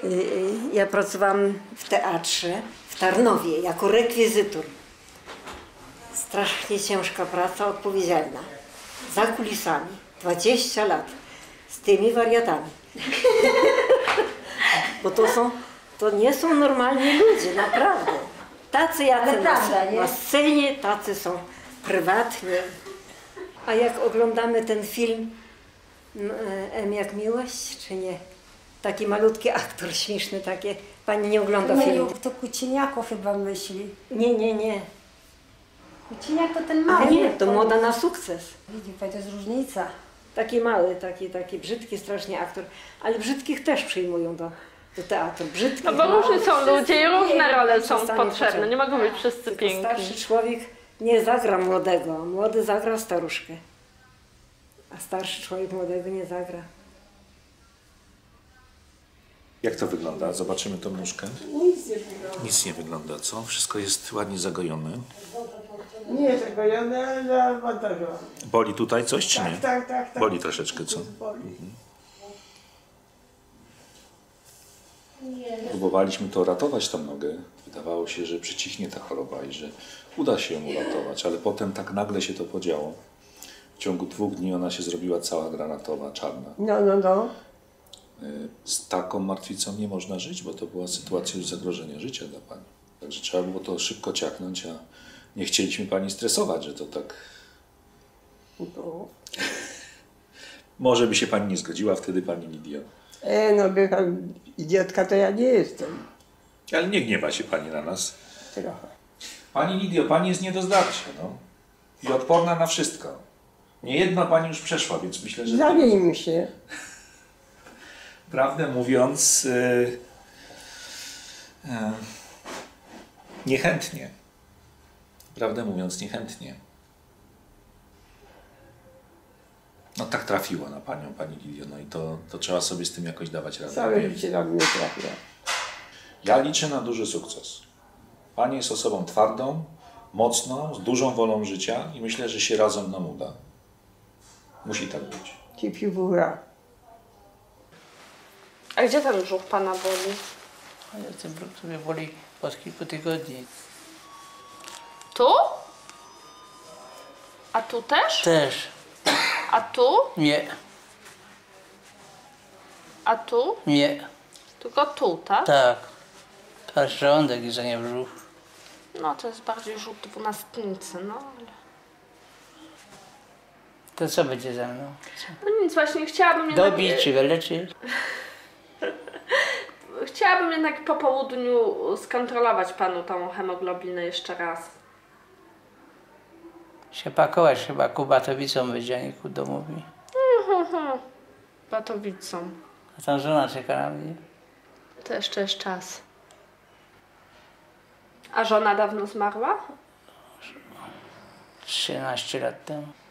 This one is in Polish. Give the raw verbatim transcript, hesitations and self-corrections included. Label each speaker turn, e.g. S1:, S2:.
S1: Ja pracowałam w teatrze w Tarnowie jako rekwizytor. Strasznie ciężka praca, odpowiedzialna. Za kulisami. dwadzieścia lat. Z tymi wariatami. Bo to są, to nie są normalni ludzie, naprawdę. Tacy jacy na, na scenie, tacy są prywatnie. A jak oglądamy ten film M jak miłość, czy nie? Taki malutki aktor śmieszny, takie. Pani nie ogląda filmu.
S2: To Kuciniako chyba myśli.
S1: Nie, nie, nie.
S2: Kuciniak to ten mały.
S1: Nie, to Moda na sukces.
S2: Widzi pani, to jest różnica.
S1: Taki mały, taki, taki brzydki strasznie aktor. Ale brzydkich też przyjmują do, do teatru. Brzydkich,
S3: no bo różni są ludzie i różne role są
S1: potrzebne.
S3: potrzebne. Nie mogą być wszyscy
S1: Tylko
S3: piękni.
S1: starszy człowiek nie zagra młodego, a młody zagra staruszkę. A starszy człowiek młodego nie zagra.
S4: Jak to wygląda? Zobaczymy tą nóżkę.
S5: Nic nie wygląda.
S4: Nic nie wygląda, co? Wszystko jest ładnie zagojone.
S5: Nie zagojone, ale zamontażowane.
S4: Boli tutaj coś, czy nie?
S5: Tak, tak, tak, tak.
S4: Boli troszeczkę, co?
S5: Boli.
S4: Mhm. Próbowaliśmy to ratować, tą nogę. Wydawało się, że przycichnie ta choroba i że uda się ją uratować, ale potem tak nagle się to podziało. W ciągu dwóch dni ona się zrobiła cała granatowa, czarna.
S5: No, no, no.
S4: Z taką martwicą nie można żyć, bo to była sytuacja już zagrożenia życia dla pani. Także trzeba było to szybko ciachnąć, a nie chcieliśmy pani stresować, że to tak...
S5: No.
S4: Może by się pani nie zgodziła wtedy, pani Lidio.
S5: E, no, by pan idiotka to ja nie jestem.
S4: Ale nie gniewa się pani na nas.
S5: Trochę.
S4: Pani Lidio, pani jest nie do zdarcia, no. I odporna na wszystko. Niejedno pani już przeszła, więc myślę, że...
S5: Zamieńmy się.
S4: Prawdę mówiąc, yy, yy, niechętnie. Prawdę mówiąc, niechętnie. No tak trafiło na panią, pani Lidio, no i to, to trzeba sobie z tym jakoś dawać radę.
S5: Całe życie na mnie trafia.
S4: Ja liczę na duży sukces. Pani jest osobą twardą, mocną, z dużą wolą życia i myślę, że się razem nam uda. Musi tak być.
S5: Ci piwura.
S3: A gdzie ten brzuch pana boli?
S6: A ja ten brzuch sobie boli od kilku tygodni.
S3: Tu? A tu też?
S6: Też.
S3: A tu?
S6: Nie.
S3: A tu?
S6: Nie.
S3: Tylko tu, tak?
S6: Tak. To jest żołądek i za nie brzuch.
S3: No to jest bardziej rzut dwunastnicy, no ale...
S6: To co będzie ze mną?
S3: No nic, właśnie chciałabym jednak...
S6: Dobić czy wyleczyć?
S3: Chciałabym jednak po południu skontrolować panu tą hemoglobinę jeszcze raz.
S6: Się pakować chyba ku Batowicom będzie, a nie ku domowi.
S3: Mhm, Batowicą.
S6: A tam żona czeka na mnie.
S3: To jeszcze jest czas. A żona dawno zmarła?
S6: trzynaście lat temu.